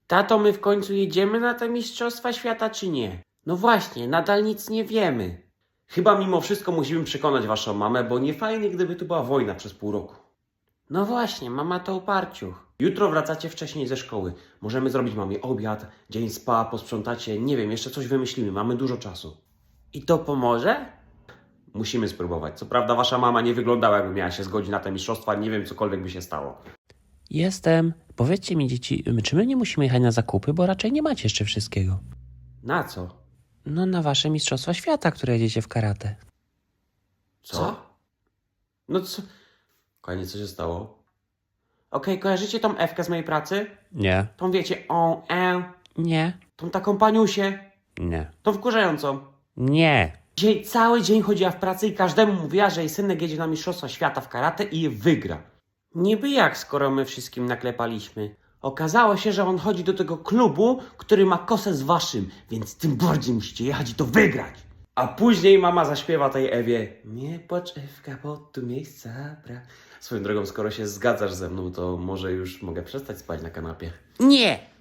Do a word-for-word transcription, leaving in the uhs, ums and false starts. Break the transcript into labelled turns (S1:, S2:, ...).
S1: Tato, my w końcu jedziemy na te Mistrzostwa Świata, czy nie? No właśnie, nadal nic nie wiemy. Chyba mimo wszystko musimy przekonać waszą mamę, bo nie fajnie, gdyby tu była wojna przez pół roku. No właśnie, mama to uparciuch. Jutro wracacie wcześniej ze szkoły. Możemy zrobić mamie obiad, dzień spa, posprzątacie, nie wiem, jeszcze coś wymyślimy, mamy dużo czasu. I to pomoże? Musimy spróbować. Co prawda wasza mama nie wyglądała, jakby miała się zgodzić na te mistrzostwa, nie wiem, cokolwiek by się stało.
S2: Jestem. Powiedzcie mi, dzieci, czy my nie musimy jechać na zakupy, bo raczej nie macie jeszcze wszystkiego?
S1: Na co?
S2: No na wasze Mistrzostwa Świata, które jedziecie w karate.
S1: Co? No co? Kochanie, co się stało? Okej, kojarzycie tą Ewkę z mojej pracy?
S2: Nie.
S1: Tą wiecie, o, e,
S2: Nie.
S1: tą taką paniusię,
S2: Nie.
S1: tą wkurzającą.
S2: Nie.
S1: Dzisiaj cały dzień chodziła w pracy i każdemu mówiła, że jej synek jedzie na Mistrzostwa Świata w karate i je wygra. Niby jak, skoro my wszystkim naklepaliśmy. Okazało się, że on chodzi do tego klubu, który ma kosę z waszym, więc tym bardziej musicie jechać i to wygrać. A później mama zaśpiewa tej Ewie: nie płacz, Ewka, bo tu miejsca brak. Swoją drogą, skoro się zgadzasz ze mną, to może już mogę przestać spać na kanapie.
S2: Nie.